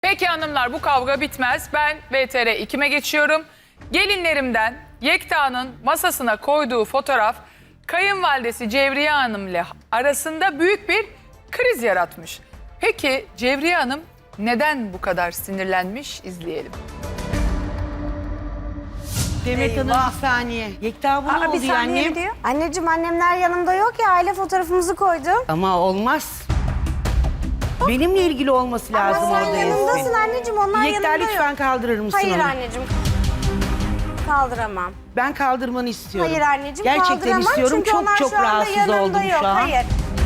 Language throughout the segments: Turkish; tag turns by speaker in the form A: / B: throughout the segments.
A: Peki hanımlar, bu kavga bitmez. Ben VTR 2'me geçiyorum. Gelinlerimden Yekta'nın masasına koyduğu fotoğraf kayınvalidesi Cevriye Hanım ile arasında büyük bir kriz yaratmış. Peki Cevriye Hanım neden bu kadar sinirlenmiş? İzleyelim.
B: Demet Hanım bir saniye. Yekta bu ne oldu
C: Bir saniye
B: annem?
C: diyor. Anneciğim annemler yanımda yok ya, aile fotoğrafımızı koydum.
B: Ama olmaz. Benimle ilgili olması lazım
C: Ama sen
B: orada
C: yanımdasın
B: Yasmin.
C: anneciğim, onlar
B: Yekta
C: yanımda
B: lütfen
C: yok.
B: kaldırır mısın
C: Hayır
B: onu?
C: anneciğim. Kaldıramam.
B: Ben kaldırmanı istiyorum.
C: Hayır anneciğim,
B: Gerçekten
C: kaldıramam
B: istiyorum.
C: çünkü
B: Çok
C: onlar
B: çok
C: şu anda
B: rahatsız
C: yanımda
B: oldum
C: yok.
B: şu an.
C: Hayır.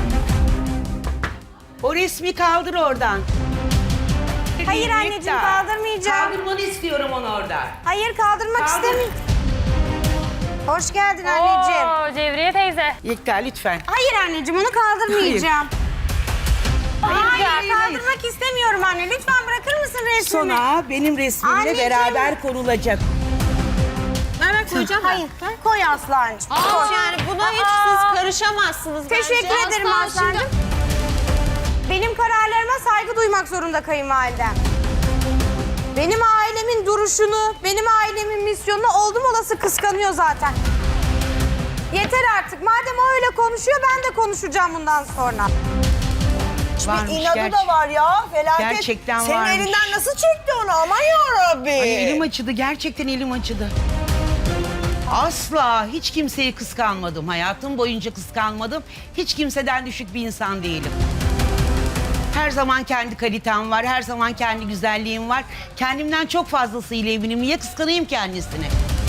B: O resmi kaldır oradan.
C: Hayır
B: Yekta,
C: anneciğim, kaldırmayacağım.
B: Kaldırmanı istiyorum onu orada.
C: Hayır, kaldırmak
B: Kaldır.
C: istemiyorum. Hoş geldin anneciğim.
D: Oo, Cevriye teyze.
B: Yekta lütfen.
C: Hayır anneciğim, onu kaldırmayacağım. Hayır,
B: hayır,
C: kaldırmak istemiyorum anne. Lütfen bırakır mısın resmimi?
B: Sonra benim resmimle
C: Anneciğim.
B: beraber konulacak.
C: Nereye koyacağım? Hayır, koy Aslancığım. Koy.
E: Yani buna hiç siz karışamazsınız bence.
C: Teşekkür ederim Aslancığım. Benim kararlarıma saygı duymak zorunda kayınvalidem. Benim ailemin duruşunu, benim ailemin misyonunu oldum olası kıskanıyor zaten. Yeter artık. Madem o öyle konuşuyor, ben de konuşacağım bundan sonra.
B: Varmış,
E: İnadı da var ya, felaket.
B: Gerçekten
E: Senin
B: varmış.
E: elinden nasıl çekti onu, aman yarabbi.
B: Ay, elim acıdı. Gerçekten elim acıdı. Asla hiç kimseyi kıskanmadım. Hayatım boyunca kıskanmadım. Hiç kimseden düşük bir insan değilim. Her zaman kendi kalitem var. Her zaman kendi güzelliğim var. Kendimden çok fazlasıyla eminim. Niye kıskanayım kendisini?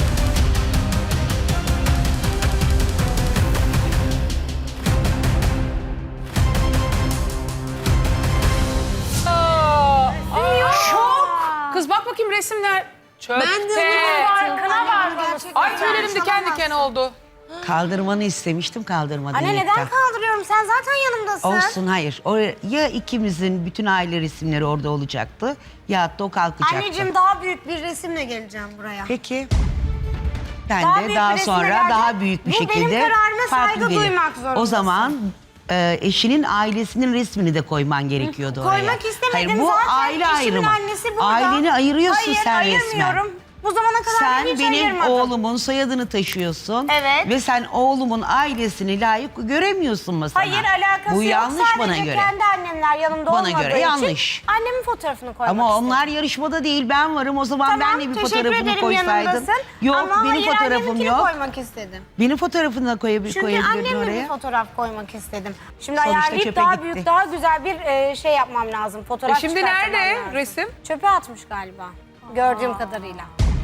A: Kız bak bakayım resimler. Çöpte.
E: Ben de
D: Farkına varmamış.
A: Ay tüylerim diken diken oldu.
B: Kaldırmanı istemiştim, kaldırmadın
C: Anne
B: Yekta.
C: neden kaldırıyorum? Sen zaten yanımdasın.
B: Olsun, hayır. Ya ikimizin bütün aile resimleri orada olacaktı ya da o kalkacaktı.
C: Anneciğim, daha büyük bir resimle geleceğim buraya.
B: Peki. Ben
C: Daha
B: de
C: büyük
B: daha
C: bir resimle
B: sonra
C: geleceğim.
B: daha büyük bir
C: Bu benim
B: şekilde
C: kararıma
B: farklı
C: saygı
B: gelir.
C: duymak zorundasın.
B: O zaman eşinin ailesinin resmini de koyman gerekiyordu oraya.
C: Koymak istemedim
B: Hayır, bu
C: zaten.
B: aile
C: Eşimin
B: ayrımı.
C: annesi burada.
B: Aileni ayırıyorsun
C: Hayır,
B: sen resmen.
C: ayırmıyorum. Bu zamana kadar
B: Sen
C: hiç
B: benim
C: ayırmadım.
B: oğlumun soyadını taşıyorsun.
C: Evet.
B: Ve sen oğlumun ailesini layık göremiyorsun masana.
C: Hayır, alakası
B: Bu
C: yok.
B: yanlış
C: Sadece
B: bana göre.
C: kendi annemler yanımda
B: Bana
C: olmadığı
B: göre
C: için
B: yanlış.
C: annemin fotoğrafını koymak
B: Ama
C: istedim.
B: onlar yarışmada değil, ben varım. O zaman
C: Tamam,
B: ben de bir
C: teşekkür
B: fotoğrafını
C: ederim,
B: koysaydın.
C: yanımdasın.
B: Yok,
C: ama
B: benim
C: hayır,
B: fotoğrafım
C: anneminkini
B: yok.
C: koymak istedim.
B: Benim fotoğrafını da
C: Çünkü
B: koyabilirdin
C: annemle
B: oraya.
C: bir fotoğraf koymak istedim. Şimdi
B: Sonuçta
C: ayarlayıp
B: çöpe
C: daha
B: gitti.
C: büyük, daha güzel bir şey yapmam lazım. Fotoğraf
A: Şimdi
C: çıkartmam
A: nerede
C: lazım.
A: resim?
C: Çöpe atmış galiba. Gördüğüm kadarıyla.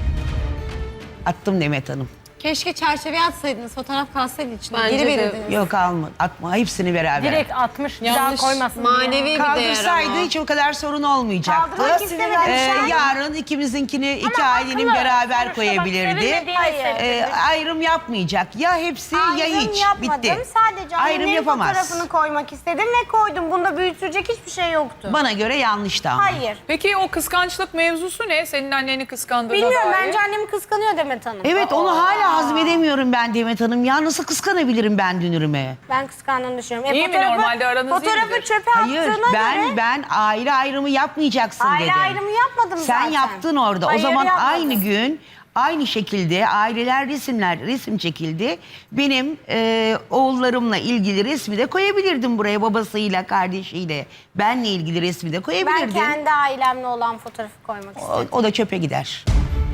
B: Attım Demet Hanım.
E: Keşke çerçeveye atsaydınız, fotoğraf kalsaydı içinde.
D: Bence
E: Geri
D: de.
E: verirdiniz.
B: Yok alma, atma. Hepsini beraber.
D: Direkt atmış, bir daha
E: Yanlış,
D: koymasın
E: manevi
D: diye.
E: bir değer
B: Kaldırsaydı
E: ama.
B: hiç o kadar sorun olmayacaktı.
C: Kaldırmak istemedim.
B: Yarın ikimizinkini iki ailenin
D: haklı.
B: beraber
D: Sonuçta bak,
B: koyabilirdi.
D: sevilmediğini
C: Hayır.
D: hissettirdi.
B: Ayrım yapmayacak. Ya hepsi ya
C: Ayrım
B: hiç.
C: yapmadım.
B: Bitti.
C: Sadece
B: Ayrım
C: annemin
B: yapamaz.
C: fotoğrafını koymak istedim ve koydum. Bunda büyütecek hiçbir şey yoktu.
B: Bana göre yanlıştı ama.
C: Hayır.
A: Peki o kıskançlık mevzusu ne? Senin anneni kıskandığına
C: Bilmiyorum,
A: dair.
C: bence annemi kıskanıyor Demet Hanım.
B: Evet, onu hala hazmedemiyorum ben Demet Hanım. Ya nasıl kıskanabilirim ben dünürüme?
C: Ben kıskandığını düşünüyorum.
A: İyi mi? Normalde aranız iyi
C: Fotoğrafı
A: midir?
C: çöpe
B: Hayır,
C: attığına göre
B: ben aile ayrımı yapmayacaksın
C: aile
B: dedim.
C: ayrımı yapmadım
B: Sen
C: zaten.
B: yaptın orada.
C: Hayır,
B: o zaman
C: yapmadım.
B: aynı gün, aynı şekilde aileler resim çekildi. Benim oğullarımla ilgili resmi de koyabilirdim buraya, babasıyla, kardeşiyle. Benle ilgili resmi de
C: Ben
B: koyabilirdim.
C: kendi ailemle olan fotoğrafı koymak istedim.
B: O da çöpe gider.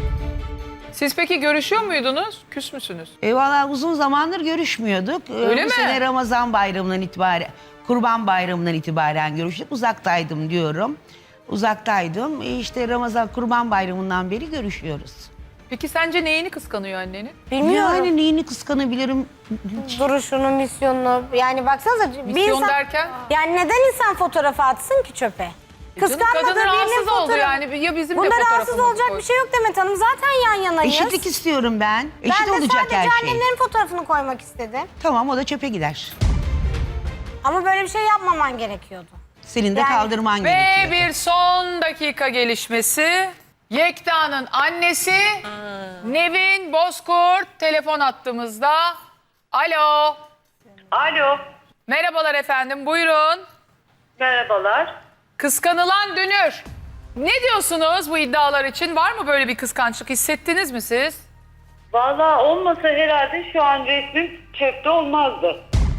A: Siz peki görüşüyor muydunuz? Küs müsünüz?
B: Valla uzun zamandır görüşmüyorduk.
A: Öyle
B: Bu
A: mi?
B: sene Ramazan bayramından itibaren, Kurban bayramından itibaren görüştük. Uzaktaydım diyorum. Uzaktaydım. İşte Ramazan, Kurban bayramından beri görüşüyoruz.
A: Peki sence neyini kıskanıyor annenin?
C: Bilmiyorum.
B: Yani neyini kıskanabilirim?
C: Duruşunu, misyonunu. Yani baksanıza bir
A: Misyon
C: insan...
A: derken?
C: Yani neden insan fotoğrafı atsın ki çöpe? Kıskanmadığı
A: kadın
C: birinin
A: rahatsız oldu
C: fotoğrafı.
A: yani. Ya bizim de
C: Bunda rahatsız
A: fotoğrafımızı
C: olacak
A: koy.
C: bir şey yok Demet Hanım. Zaten yan yanayız.
B: Eşitlik istiyorum ben.
C: Ben
B: Eşit
C: de
B: olacak
C: sadece
B: her şey.
C: annemlerin fotoğrafını koymak istedim.
B: Tamam, o da çöpe gider.
C: Ama böyle bir şey yapmaman gerekiyordu.
B: Senin de
C: Yani-
B: kaldırman
A: Ve
B: gerekiyor.
A: bir son dakika gelişmesi. Yekta'nın annesi Nevin Bozkurt telefon attığımızda. Alo.
F: Alo,
A: Merhabalar efendim, buyurun.
F: merhabalar.
A: Kıskanılan dünür Ne diyorsunuz bu iddialar için? Var mı böyle bir kıskançlık? Hissettiniz mi siz?
F: Vallahi olmasa herhalde şu an resmim çöpte olmazdı.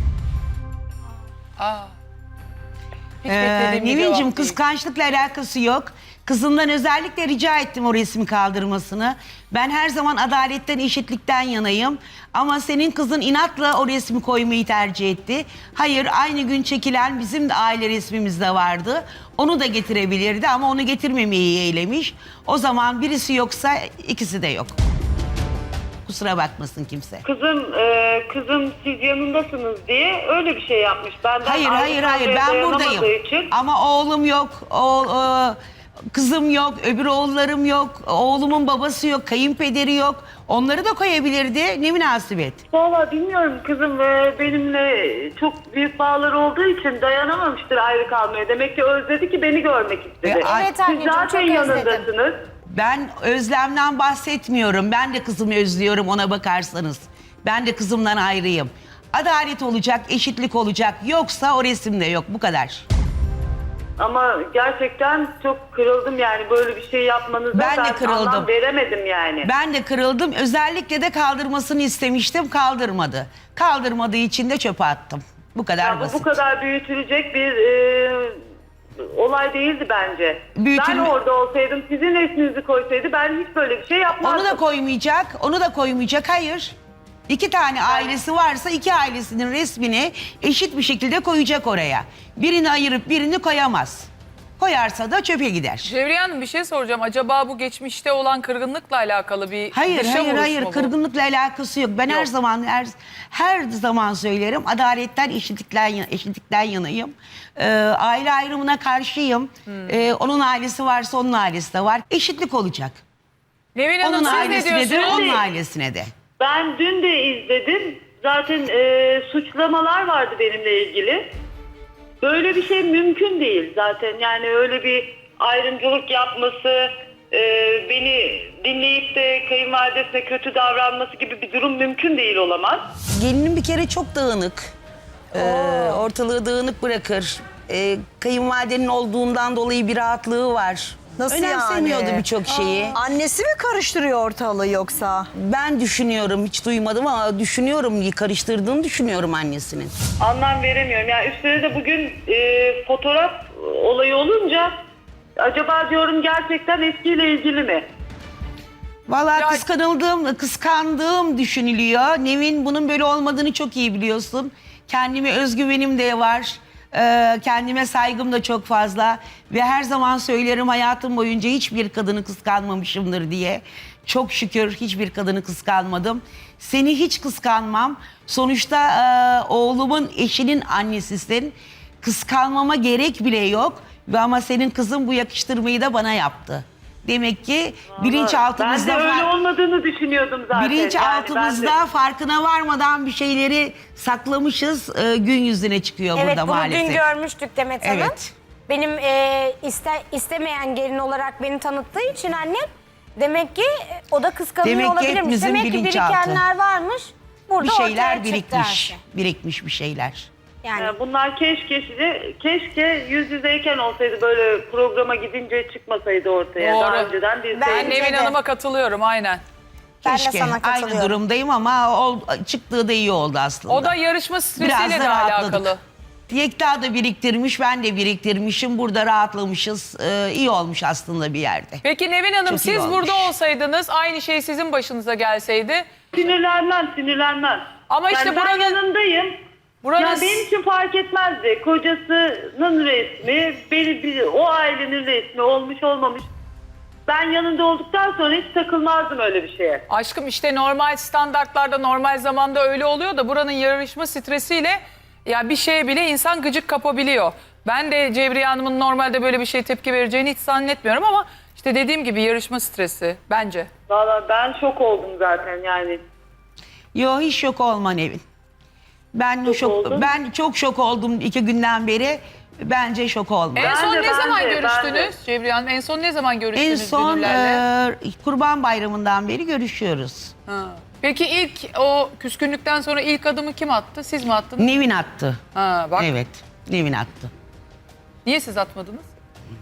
A: Aa. Hiç beklediğim bir cevap
B: Nevin'cim
A: değil.
B: kıskançlıkla alakası yok. Kızımdan özellikle rica ettim o resmi kaldırmasını. Ben her zaman adaletten, eşitlikten yanayım. Ama senin kızın inatla o resmi koymayı tercih etti. Hayır, aynı gün çekilen bizim de aile resmimiz de vardı. Onu da getirebilirdi ama onu getirmemeyi eylemiş. O zaman birisi yoksa ikisi de yok. Kusura bakmasın kimse.
F: Kızım siz yanındasınız diye öyle bir şey yapmış. Benden
B: Hayır,
F: ayrı
B: ben
F: kalmaya
B: buradayım.
F: dayanamadığı için-
B: Ama oğlum yok, kızım yok, öbür oğullarım yok, oğlumun babası yok, kayınpederi yok. Onları da koyabilirdi. Ne münasebet.
F: Vallahi bilmiyorum, kızım benimle çok büyük bağları olduğu için dayanamamıştır ayrı kalmaya. Demek ki özledi ki beni görmek istedi.
C: Evet
F: Siz
C: anneciğim,
F: zaten
C: çok özledim.
F: yanındasınız.
B: Ben özlemden bahsetmiyorum. Ben de kızımı özlüyorum ona bakarsanız. Ben de kızımdan ayrıyım. Adalet olacak, eşitlik olacak. Yoksa o resimde yok. Bu kadar.
F: Ama gerçekten çok kırıldım yani, böyle bir şey yapmanıza
B: Ben de kırıldım.
F: anlam veremedim yani.
B: Ben de kırıldım. Özellikle de kaldırmasını istemiştim. Kaldırmadı. Kaldırmadığı için de çöpe attım. Bu kadar
F: Ya
B: basit.
F: bu kadar büyütülecek bir olay değildi bence. Ben orada olsaydım, sizin resminizi koysaydı ben hiç böyle bir şey yapmazdım.
B: Onu da koymayacak. Onu da koymayacak. Hayır. 2 tane ailesi varsa 2 ailesinin resmini eşit bir şekilde koyacak oraya. Birini ayırıp birini koyamaz. Koyarsa da çöpe gider.
A: Cevriye Hanım bir şey soracağım. Acaba bu geçmişte olan kırgınlıkla alakalı bir
B: Hayır,
A: dışa
B: hayır,
A: vuruş
B: hayır.
A: mu bu?
B: Kırgınlıkla alakası yok. Ben her zaman söylerim. Adaletten, eşitlikten yanayım. Aile ayrımına karşıyım. Onun ailesi varsa onun ailesi de var. Eşitlik olacak.
A: Nevin Hanım
B: Onun
A: siz ne
B: ailesine de,
A: diyorsunuz?
B: onun ailesine de.
F: Ben dün de izledim. Zaten suçlamalar vardı benimle ilgili. Böyle bir şey mümkün değil zaten. Yani öyle bir ayrımcılık yapması, beni dinleyip de kayınvalidesine kötü davranması gibi bir durum mümkün değil, olamaz.
B: Gelinin bir kere çok dağınık. Ortalığı dağınık bırakır. Kayınvalidenin olduğundan dolayı bir rahatlığı var.
E: Nasıl
B: Önemsemiyordu
E: yani?
B: birçok şeyi.
E: Annesi mi karıştırıyor ortalığı yoksa?
B: Ben düşünüyorum, hiç duymadım ama düşünüyorum, karıştırdığını düşünüyorum annesinin.
F: Anlam veremiyorum. Yani üstüne de bugün fotoğraf olayı olunca acaba diyorum gerçekten eskiyle ilgili mi?
B: Vallahi
A: Ya-
B: kıskandığım düşünülüyor. Nevin bunun böyle olmadığını çok iyi biliyorsun. Kendime özgüvenim de var. Kendime saygım da çok fazla. Ve her zaman söylerim, hayatım boyunca hiçbir kadını kıskanmamışımdır diye. Çok şükür hiçbir kadını kıskanmadım. Seni hiç kıskanmam. Sonuçta oğlumun eşinin annesisin. Kıskanmama gerek bile yok. Ama senin kızın bu yakıştırmayı da bana yaptı. Demek ki bilinçaltımızda
F: Ben de öyle olmadığını düşünüyordum zaten.
B: bilinçaltımızda
F: Yani
B: farkına varmadan bir şeyleri saklamışız. Gün yüzüne çıkıyor
C: Evet,
B: burada
C: bunu
B: maalesef.
C: dün görmüştük Demet Hanım.
B: Evet.
C: Benim istemeyen gelin olarak beni tanıttığı için annem, demek ki o da kıskanıyor
B: Demek ki
C: olabilirmiş.
B: hepimizin
C: Demek ki
B: bilinçaltı.
C: birikenler varmış. Burada
B: Bir şeyler
C: ortaya çıktı her şey.
B: birikmiş bir şeyler.
C: Yani
F: bunlar keşke yüz yüzeyken olsaydı, böyle programa gidince çıkmasaydı ortaya.
A: Doğru.
F: Daha önceden bir
A: Ben
C: Bence
A: Nevin
C: de.
A: Hanım'a katılıyorum aynen.
C: ben de
B: Keşke.
C: sana
B: Aynı
C: katılıyorum.
B: durumdayım ama çıktığı da iyi oldu aslında.
A: O da yarışma
B: Biraz
A: stresiyle
B: da
A: de
B: rahatladık.
A: alakalı.
B: Yekta da biriktirmiş, ben de biriktirmişim. Burada rahatlamışız. İyi olmuş aslında bir yerde.
A: Peki Nevin Hanım,
B: Çok iyi
A: siz
B: olmuş.
A: burada olsaydınız aynı şey sizin başınıza gelseydi.
F: sinirlenmez.
A: Ama işte
F: yani ben
A: buranın-
F: yanındayım.
A: Buranın
F: Ya benim için fark etmezdi. Kocasının resmi, o ailenin resmi olmuş olmamış. Ben yanında olduktan sonra hiç takılmazdım öyle bir şeye.
A: aşkım işte normal standartlarda normal zamanda öyle oluyor da buranın yarışma stresiyle ya bir şeye bile insan gıcık kapabiliyor. Ben de Cevriye Hanım'ın normalde böyle bir şeye tepki vereceğini hiç zannetmiyorum ama işte dediğim gibi yarışma stresi bence.
F: Vallahi ben şok oldum zaten yani.
B: Yo, hiç şok olma Nevin.
F: oldun.
B: Ben çok şok oldum 2 günden beri. Bence şok olma.
A: En son
F: de,
A: ne
F: ben
A: zaman
F: de, ben
A: görüştünüz
F: de.
A: Cevriye Hanım? En son ne zaman
B: En
A: görüştünüz
B: son
A: Gönüllerle?
B: Kurban Bayramı'ndan beri görüşüyoruz.
A: Ha. Peki ilk o küskünlükten sonra ilk adımı kim attı? Siz mi attınız?
B: Nevin attı.
A: Ha, bak
B: Evet, Nevin attı.
A: niye siz atmadınız?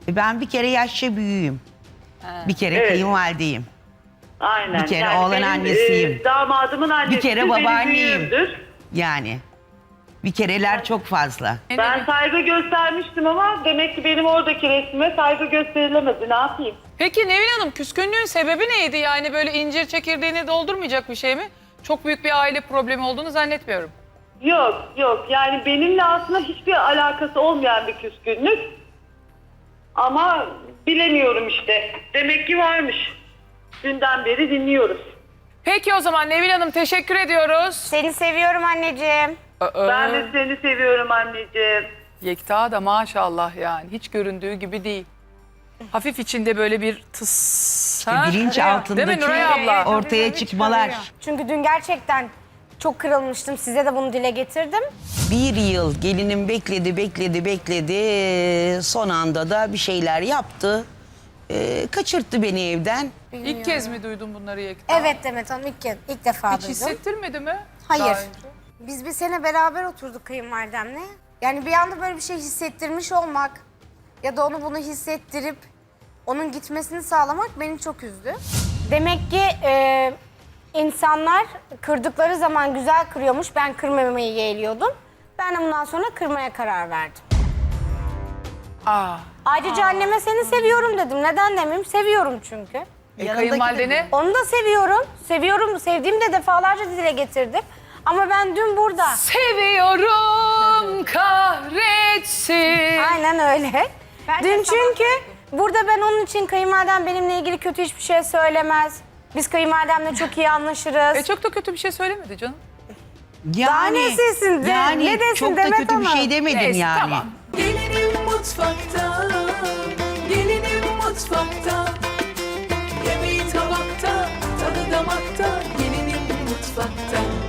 B: Ben bir kere yaşça büyüğüm. Bir kere
F: Evet.
B: kayınvalideyim.
F: Aynen.
B: Bir kere oğlan
F: benim,
B: annesiyim.
F: Damadımın annesi.
B: Bir kere
F: benim
B: babaanneyim.
F: büyüğümdür.
B: Yani bir kereler çok fazla.
F: Ben saygı göstermiştim ama demek ki benim oradaki resmime saygı gösterilemedi. Ne yapayım?
A: Peki Nevin Hanım, küskünlüğün sebebi neydi? Yani böyle incir çekirdeğini doldurmayacak bir şey mi? Çok büyük bir aile problemi olduğunu zannetmiyorum.
F: Yok. Yani benimle aslında hiçbir alakası olmayan bir küskünlük. Ama bilemiyorum işte. Demek ki varmış. Dünden beri dinliyoruz.
A: Peki o zaman Nevin Hanım, teşekkür ediyoruz.
C: Seni seviyorum anneciğim.
F: Ben de seni seviyorum anneciğim.
A: Yekta da maşallah yani hiç göründüğü gibi değil. Hafif içinde böyle bir tıs. ha?
B: Bilinç
A: Değil mi
B: altındaki
A: Nuray abla?
B: ortaya çıkmalar.
C: Çünkü dün gerçekten çok kırılmıştım. Size de bunu dile getirdim.
B: Bir yıl gelinim bekledi. Son anda da bir şeyler yaptı. Kaçırttı beni evden.
A: İlk kez mi duydun bunları Yekta?
C: Evet Demet Hanım ilk defa
A: Hiç
C: duydum.
A: hissettirmedi mi?
C: Hayır.
A: Daha önce?
C: Biz bir sene beraber oturduk kayınvalidemle. Yani bir anda böyle bir şey hissettirmiş olmak ya da onu bunu hissettirip onun gitmesini sağlamak beni çok üzdü. Demek ki insanlar kırdıkları zaman güzel kırıyormuş. Ben kırmamayı yeğliyordum. Ben de bundan sonra kırmaya karar verdim.
A: Aa.
C: Ayrıca anneme seni seviyorum dedim. Neden demeyeyim? Seviyorum çünkü.
A: Kayınvalidene?
C: Onu da seviyorum. Seviyorum. Sevdiğimi de defalarca dile getirdim. Ama ben dün burada...
A: Seviyorum kahretsin.
C: Aynen öyle. Dün çünkü burada ben onun için kayınvalidem benimle ilgili kötü hiçbir şey söylemez. Biz kayınvalidemle çok iyi anlaşırız.
A: Çok da kötü bir şey söylemedi canım.
C: Daha ne desin?
B: Yani
C: Ne desin
B: çok da
C: Demet
B: kötü bir
C: Hanım?
B: şey demedim
A: Neyse,
B: yani.
A: tamam.
G: Gelinim mutfakta